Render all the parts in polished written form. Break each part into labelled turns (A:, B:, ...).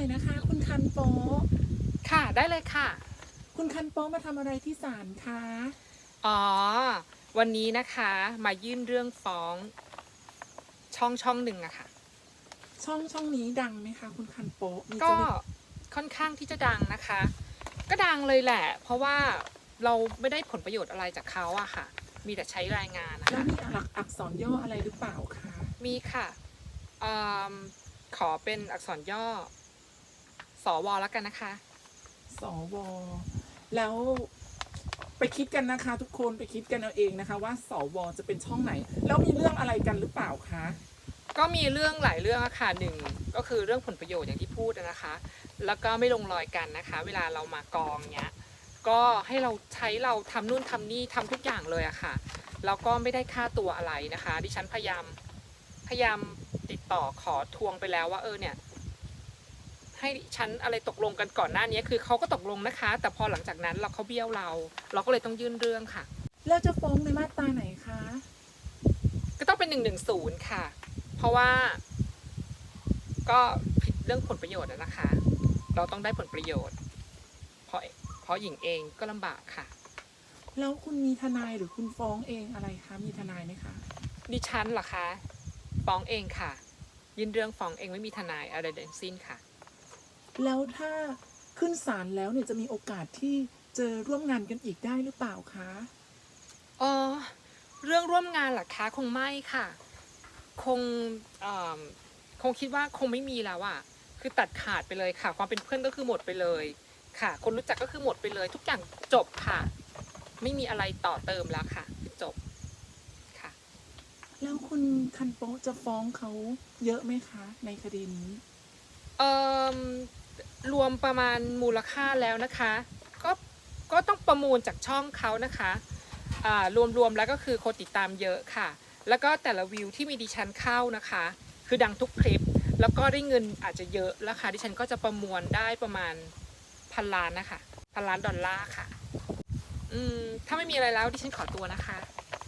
A: อยนะคะ คุณคันโป
B: ค่ะได้เลยค่ะ
A: คุณคันโปมาทำอะไรที่ศาลคะ
B: อ๋อวันนี้นะคะมายื่นเรื่องฟ้องช่องหนึ่งอะค่ะ
A: ช่องนี้ดังไหมคะคุณคันโปมีจะ
B: ก็
A: มี
B: ค่อนข้างที่จะดังนะคะก็ดังเลยแหละเพราะว่าเราไม่ได้ผลประโยชน์อะไรจากเขาอะค่ะมีแต่ใช้รายงานนะคะ
A: แล้วมีหลักอักษรย่ออะไรหรือเปล่าคะ
B: มีค่ะอืมขอเป็นอักษรย่อสวแล้วกันนะคะ
A: สวแล้วไปคิดกันนะคะ ทุกคนไปคิดกันเอาเองนะคะ ว่าสวจะเป็นช่องไหนแล้วมีเรื่องอะไรกันหรือเปล่าคะ
B: ก็มีเรื่องหลายเรื่องอะค่ะหนึ่งก็คือเรื่องผลประโยชน์อย่างที่พูดนะคะ แล้วก็ไม่ลงรอยกันนะคะเวลาเรามากองเนี้ยก็ให้เราทำนู่นทำนี่ทำทุกอย่างเลยอะค่ะแล้วก็ไม่ได้ค่าตัวอะไรนะคะดิฉันพยายามติดต่อขอทวงไปแล้วว่าเนี่ยให้ฉันอะไรตกลงกันก่อนหน้านี้คือเขาก็ตกลงนะคะแต่พอหลังจากนั้นเขาเบี้ยวเราก็เลยต้องยื่นเรื่องค่ะ
A: แล้วจะฟ้องในมาตราไหนคะ
B: ก็ต้องเป็น110ค่ะเพราะว่าก็ผิดเรื่องผลประโยชน์นะคะเราต้องได้ผลประโยชน์เพราะหญิงเองก็ลำบากค่ะ
A: แล้วคุณมีทนายหรือคุณฟ้องเองอะไรคะมีทนายไหมคะ
B: ดิฉันเหรอคะฟ้องเองค่ะยื่นเรื่องฟ้องเองไม่มีทนายอะไรทั้งสิ้นค่ะ
A: แล้วถ้าขึ้นศาลแล้วเนี่ยจะมีโอกาสที่จะร่วมงานกันอีกได้หรือเปล่าคะ
B: อ๋อเรื่องร่วมงานเหรอคะคงไม่ค่ะคงเอ่อคงคิดว่าคงไม่มีแล้วอะคือตัดขาดไปเลยค่ะความเป็นเพื่อนก็คือหมดไปเลยค่ะคนรู้จักก็คือหมดไปเลยทุกอย่างจบค่ะไม่มีอะไรต่อเติมแล้วค่ะจบค่ะ
A: แล้วคุณคันโปะจะฟ้องเขาเยอะไหมคะในคดีนี้
B: เอ่อรวมประมาณมูลค่าแล้วนะคะก็ก็ต้องประมูลจากช่องเขานะคะรวมแล้วก็คือคนติดตามเยอะค่ะแล้วก็แต่ละวิวที่มีดิฉันเข้านะคะคือดังทุกคลิปแล้วก็ได้เงินอาจจะเยอะแล้วค่ะดิฉันก็จะประมวลได้ประมาณ1,000 ล้านนะคะ1,000 ล้านดอลลาร์ค่ะถ้าไม่มีอะไรแล้วดิฉันขอตัวนะคะ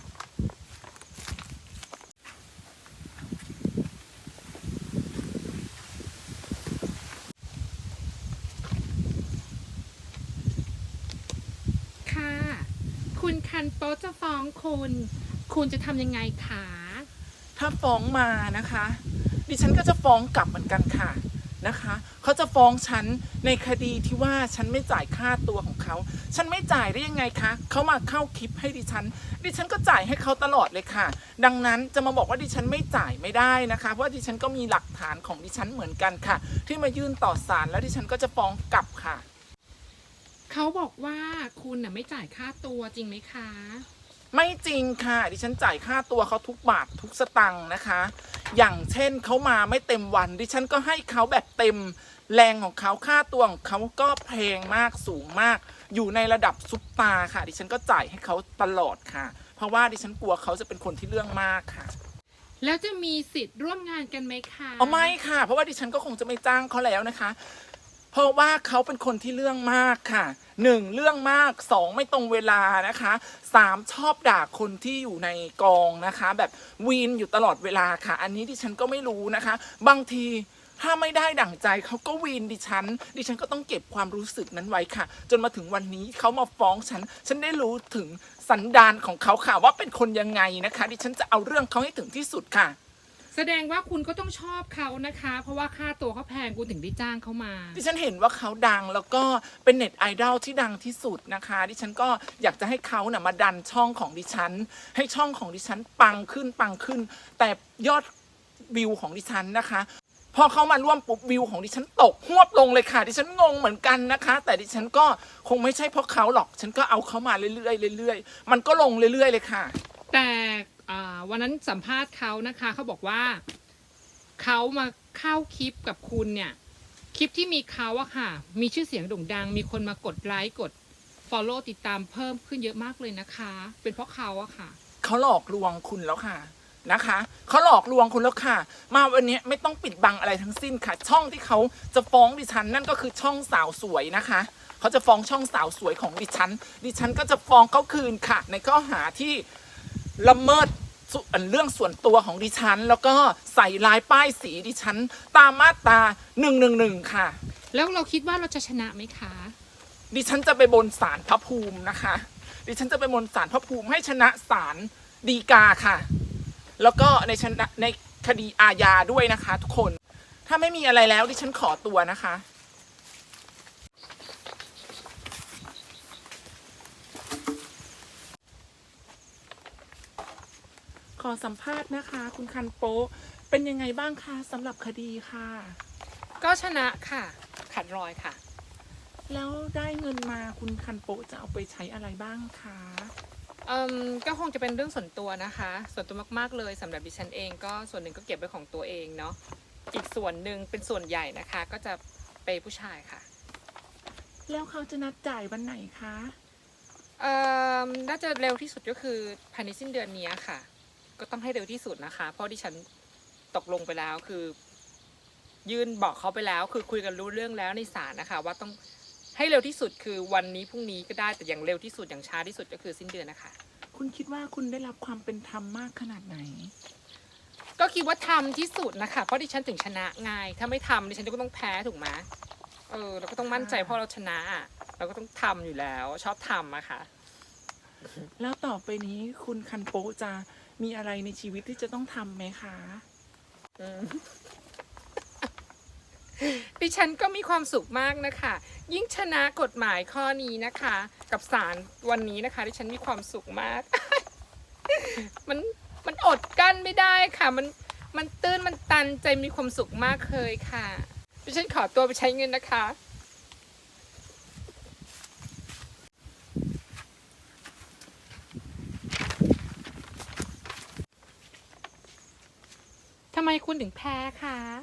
B: ค่ะคุณคันโต๊ะจะฟ้องคุณจะทำยังไงคะ
A: ถ้าฟ้องมานะคะ ดิฉันก็จะฟ้องกลับเหมือนกันค่ะนะคะเขาจะฟ้องฉันในคดีที่ว่าฉันไม่จ่ายค่าตัวของเขาฉันไม่จ่ายได้ยังไงคะเขามาเข้าคลิปให้ดิฉันก็จ่ายให้เขาตลอดเลยค่ะดังนั้นจะมาบอกว่าดิฉันไม่จ่ายไม่ได้นะคะเพราะดิฉันก็มีหลักฐานของดิฉันเหมือนกันค่ะที่มายื่นต่อศาลแล้วดิฉันก็จะฟ้องกลับค่ะ
B: เขาบอกว่าคุณน่ะไม่จ่ายค่าตัวจริงไหมคะ
A: ไม่จริงค่ะดิฉันจ่ายค่าตัวเขาทุกบาททุกสตังค์นะคะ อย่างเช่นเขามาไม่เต็มวันดิฉันก็ให้เขาแบบเต็มแรงของเขาค่าตัวของเขาก็แพงมากสูงมาก อยู่ในระดับซุปตาค่ะดิฉันก็จ่ายให้เขาตลอดค่ะ เพราะว่าดิฉันกลัวเขาจะเป็นคนที่เรื่องมากค่ะ
B: แล้วจะมีสิทธิ์ร่วมงานกันไหมคะ
A: เอาไม่ค่ะเพราะว่าดิฉันก็คงจะไม่จ้างเขาแล้วนะคะเพราะว่าเขาเป็นคนที่เรื่องมากค่ะ1เรื่องมาก2ไม่ตรงเวลานะคะ3ชอบด่าคนที่อยู่ในกองนะคะแบบวีนอยู่ตลอดเวลาค่ะอันนี้ดิฉันก็ไม่รู้นะคะบางทีถ้าไม่ได้ดั่งใจเขาก็วีนดิฉันก็ต้องเก็บความรู้สึกนั้นไว้ค่ะจนมาถึงวันนี้เขามาฟ้องฉันได้รู้ถึงสันดานของเขาค่ะว่าเป็นคนยังไงนะคะดิฉันจะเอาเรื่องเขาให้ถึงที่สุดค่ะ
B: แสดงว่าคุณก็ต้องชอบเขานะคะ เพราะว่าค่าตัวเขาแพงคุณถึงได้จ้างเขามา
A: ดิฉันเห็นว่าเขาดังแล้วก็เป็นเน็ตไอดอลที่ดังที่สุดนะคะดิฉันก็อยากจะให้เขาเนี่ยมาดันช่องของดิฉันให้ช่องของดิฉันปังขึ้นแต่ยอดวิวของดิฉันนะคะพอเขามาร่วมปุ๊บวิวของดิฉันตกหวบลงเลยค่ะดิฉันงงเหมือนกันนะคะแต่ดิฉันก็คงไม่ใช่เพราะเขาหรอกฉันก็เอาเขามาเรื่อยๆมันก็ลงเรื่อยๆเลยค่ะ
B: แต่วันนั้นสัมภาษณ์เขานะคะเขาบอกว่าเขามาเข้าคลิปกับคุณเนี่ยคลิปที่มีเขาอะค่ะมีชื่อเสียงโด่งดังมีคนมากดไลค์กด follow ติดตามเพิ่มขึ้นเยอะมากเลยนะคะเป็นเพราะเขาอะค่ะ
A: เขาหลอกลวงคุณแล้วค่ะนะคะเขาหลอกลวงคุณแล้วค่ะมาวันนี้ไม่ต้องปิดบังอะไรทั้งสิ้นค่ะช่องที่เขาจะฟ้องดิฉันนั่นก็คือช่องสาวสวยนะคะเขาจะฟ้องช่องสาวสวยของดิฉันก็จะฟ้องเขาคืนค่ะในข้อหาที่ละเมิดเรื่องส่วนตัวของดิฉัน แล้วก็ใส่ลายป้ายสีดิฉันตามมาตรา111ค่ะ
B: แล้วเราคิดว่าเราจะชนะไหมคะ
A: ดิฉันจะไปบนศาลพระภูมินะคะ ดิฉันจะไปบนศาลพระภูมิให้ชนะศาลฎีกาค่ะ แล้วก็ในคดีอาญาด้วยนะคะทุกคน ถ้าไม่มีอะไรแล้วดิฉันขอตัวนะคะ ขอสัมภาษณ์นะคะ คุณคันโปะเป็นยังไงบ้างคะสำหรับคดีค่ะ
B: ก็ชนะค่ะขาดรอยค่ะ
A: แล้วได้เงินมาคุณคันโปะจะเอาไปใช้อะไรบ้างคะ
B: ก็คงจะเป็นเรื่องส่วนตัวนะคะ ส่วนตัวมากๆเลยสำหรับดิฉันเองก็ส่วนหนึ่งก็เก็บไว้ของตัวเองเนาะอีกส่วนหนึ่งเป็นส่วนใหญ่นะคะ ก็จะไปผู้ชายค่ะ
A: แล้วเขาจะนัดจ่ายวันไหนคะ
B: น่าจะเร็วที่สุดก็คือภายในสิ้นเดือนนี้ค่ะ ก็ต้องให้เร็วที่สุดนะคะ เพราะดิฉันตกลงไปแล้วคือ ยื่นบอกเขาไปแล้วคือคุยกันรู้เรื่องแล้วในศาลนะคะ ว่าต้องให้เร็วที่สุดคือวันนี้พรุ่งนี้ก็ได้แต่อย่างเร็วที่สุดอย่างช้าที่สุดก็คือสิ้นเดือนนะคะ
A: คุณคิดว่าคุณได้รับความเป็นธรรมมากขนาดไหน
B: ก็คิดว่าทำที่สุดนะคะเพราะดิฉันถึงชนะไงถ้าไม่ทำดิฉันก็ต้องแพ้ถูกไหมเราก็ต้องมั่นใจเพราะเราชนะอะเราก็ต้องทำอยู่แล้วชอบทำอะค่ะ
A: แล้วต่อไปนี้คุณคันโปะจะมีอะไรในชีวิตที่จะต้องทำไหมคะ
B: ดิฉันก็มีความสุขมากนะคะ ยิ่งชนะกฎหมายข้อนี้นะคะ กับศาลวันนี้นะคะดิฉันมีความสุขมาก มันอดกั้นไม่ได้ค่ะมันตื้นมันตันใจมีความสุขมากเลยค่ะดิฉันขอตัวไปใช้เงินนะคะทำไมคุณถึงแพ้คะ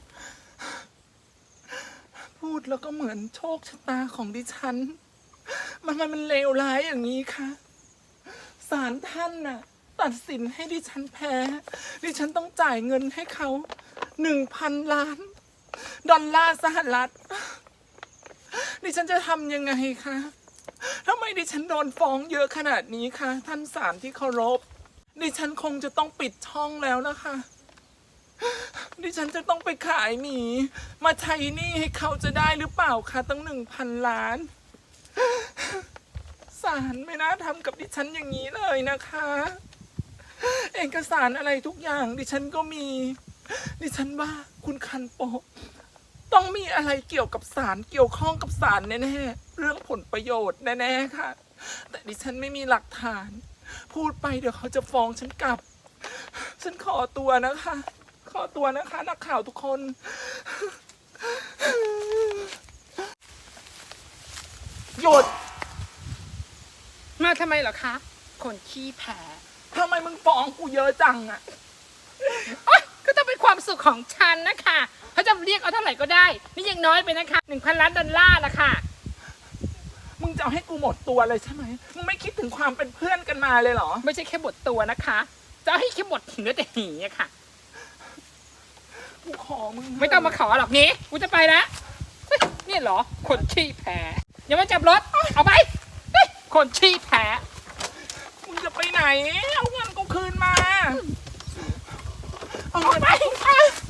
A: พูดแล้วก็เหมือนโชคชะตาของดิฉัน มันเลวร้ายอย่างนี้ค่ะศาลท่านน่ะ ตัดสินให้ดิฉันแพ้ ดิฉันต้องจ่ายเงินให้เขา1,000 ล้านดอลลาร์สหรัฐ ดิฉันจะทำยังไงคะทำไมดิฉันโดนฟ้องเยอะขนาดนี้คะท่านศาลที่เคารพ ดิฉันคงจะต้องปิดช่องแล้วนะคะ ดิฉันจะต้องไปขายหมีมาใช้หนี้ให้เขาจะได้หรือเปล่าคะตั้ง1,000 ล้าน ศาลไม่น่าทำกับดิฉันอย่างนี้เลยนะคะ เอกสารอะไรทุกอย่างดิฉันก็มี ดิฉันว่าคุณคันโปะต้องมีอะไรเกี่ยวกับศาลเกี่ยวข้องกับศาลแน่ๆเรื่องผลประโยชน์แน่ๆค่ะ แต่ดิฉันไม่มีหลักฐาน พูดไปเดี๋ยวเขาจะฟ้องฉันกลับ ฉันขอตัวนะคะ ขอตัวนะคะนักข่าวทุกคน หยุด
B: มาทำไมเหรอคะ คนขี้แพ้
A: ทำไมมึงฟ้องกูเยอะจังอะ
B: ก็ต้องเป็นความสุขของฉันนะคะเขาจะเรียกเอาเท่าไหร่ก็ได้ นี่ยังน้อยไปนะคะ1,000 ล้านดอลลาร์ละค่ะ
A: มึงจะเอาให้กูหมดตัวเลยใช่ไหม มึงไม่คิดถึงความเป็นเพื่อนกันมาเลยเหรอ
B: ไม่ใช่แค่หมดตัวนะคะ จะให้แค่หมดเนื้อแต่หีอะค่ะ
A: กูขอมึง
B: ไม่ต้องมาขอหรอกนี้กูจะไปแล้วเฮ้ยนี่เหรอ คนขี้แพ้อย่ามาจับรถ เอาไปเฮ้ยคนขี้แพ้
A: มึงจะไปไหน เอาเงินกูคืนมา เอา
B: เอา
A: เงิน
B: ไป
A: กู